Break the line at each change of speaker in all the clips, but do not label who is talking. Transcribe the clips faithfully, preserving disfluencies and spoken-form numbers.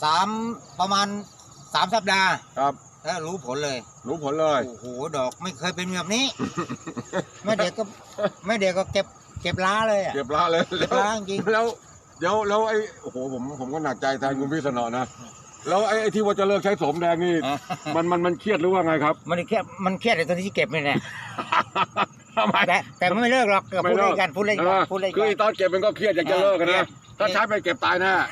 สามประมาณสามสัปดาห์
ครับ
แล้วรู้ผลเลย
รู้ผลเลย
โอ้โหดอกไม่เคยเป็นแบบนี้แม่เด็กก็แม่เด็กก็เก็บเก็บล้าเลย
เก็บล้าเลย
เก็บล้าจริง
แล้วเดี๋ยวแล้วไอ้โอ้โหผมผมก็หนักใจแทนคุณพี่สนอนะแล้วไอ้ไอ้ที่ว่าจะเลิกใช้โสมแดงนี่มันมันมันเครียดหรือว่าไงครับ
มันเครียดมันเครียดในตอนที่เก็บนี่แหละแต่แต่ไม่เลิกหรอกพูดเล่นกันพูดเล่นกันพูดเล่นกัน
คือตอนเก็บมันก็เครียดอยากจะเลิกกันนะถ้าใช้ไปเก็บตายแน่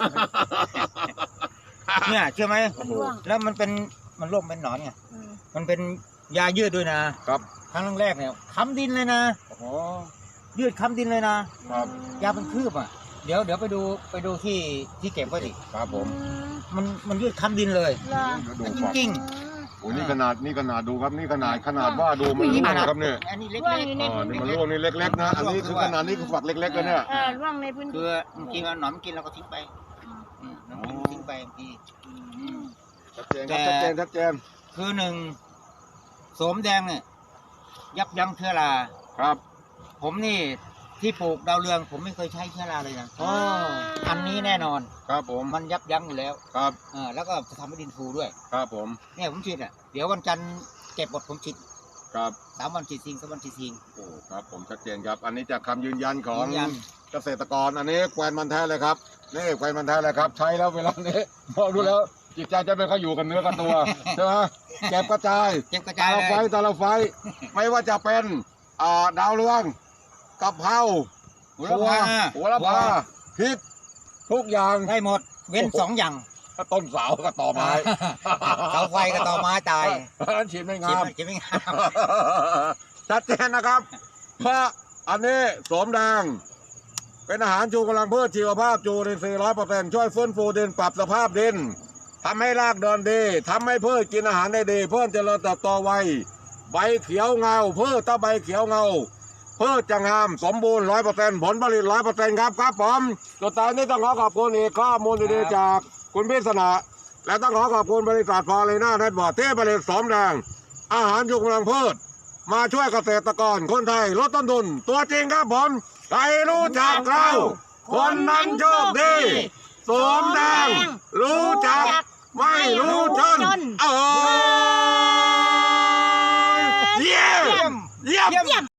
เนี่ยเชื่อไหมแล้วมันเป็นมันร่วงเป็นหนอนไงมันเป็นยายืดด้วยนะครับครั้งแรกเนี่ยค้ำดินเลยนะยืดค้ำดินเลยนะครับยาเป็นคืบอ่ะเดี๋ยวเดี๋ยวไปดูไปดูที่ที่เก็บไว้ดิ
ครับผม
มันมันยืดค้ำดินเลยจริงจริง
โอ้นี่ขนาดนี่ขนาดดูครับนี่ขนาดขนาดว่าดูมันร่วงนะครับเนี่ย
อันนี้เล็ก
ๆอ๋อนี่มันร่วงนี่เล็กๆนะอันนี้คือขนาดนี้คือฝักเล็กๆเลยเนี่ย
เออร่วงในพื้นที่
คือจริงๆหนอนกินเราก็ทิ้งไปน้องทิ้งไปบางที
ชัดเจนครับชัดเจนชัดเจน
คือหนึ่งโสมแดงเนี่ยยับยั้งเชื้อรา
ครับ
ผมนี่ที่ปลูกดาวเรืองผมไม่เคยใช้เชื้อราเลยนะอ๋ออันนี้แน่นอน
ครับผม
มันยับยั้งอยู่แล้ว
ครับ
เออแล้วก็จะทำให้ดินฟูด้วย
ครับผม
เนี่ยผมฉีดอ่ะเดี๋ยววันจันทร์เก็บหมดผมฉีด
ครับ
สามวันฉีดซิงสามวันฉีดซิง
โอ้ครับผมชัดเจนครับอันนี้จากคำยืนยันของเกษตรกรอันนี้แควนมันแท้เลยครับนี่แควนมันแท้เลยครับใช้แล้วเวลานี้พอดูแล้วจิตใจจะไม่ค่อยอยู่กันเนื้อกับตัวใช่ไหมเก็บกระจาย
เก็บกระจาย
เลยตาละไฟตาละไฟไม่ว่าจะเป็นอ่าดาวเรืองกะเพรา
หัวละพา
หัวละพาพริกทุกอย่าง
ได้หมดเว้นสองอย่าง
ก็ต้นเสากับต่อไม้
เสาไฟกับต่อไม้ตาย
นั้นฉีดไม่งาม
ฉีดไม่งาม
ชัดเจนนะครับเพราะอันนี้โสมแดงเป็นอาหารชูกำลังพืชชีวภาพจูรินทรีย์ร้อยเปอร์เซ็นต์ช่วยฟื้นฟูดินปรับสภาพดินทำให้รากเดินดีทำให้พืชกินอาหารได้ดีเพื่อเจริญเติบโตไวใบเขียวเงาพืชถ้าใบเขียวเงาพืชจะงามสมบูรณ์ร้อยเปอร์เซ็นต์ผลผลิตร้อยเปอร์เซ็นต์ครับครับผมสุดท้ายนี้ต้องขอขอบคุณอีกข้อมูลดีๆจากคุณพิษณะและต้องขอขอบคุณบริษัทฟอเรน่าเน็ตบอร์ดที่ผลิตโสมแดงอาหารชูกำลังพืชมาช่วยเกษตรกรคนไทยลดต้นทุนตัวจริงครับผมใครรู้จักเราคนนั้นโชคดีโสมแดงรู้จักไม่รู้จนเออเยี่ยมเยี่ยม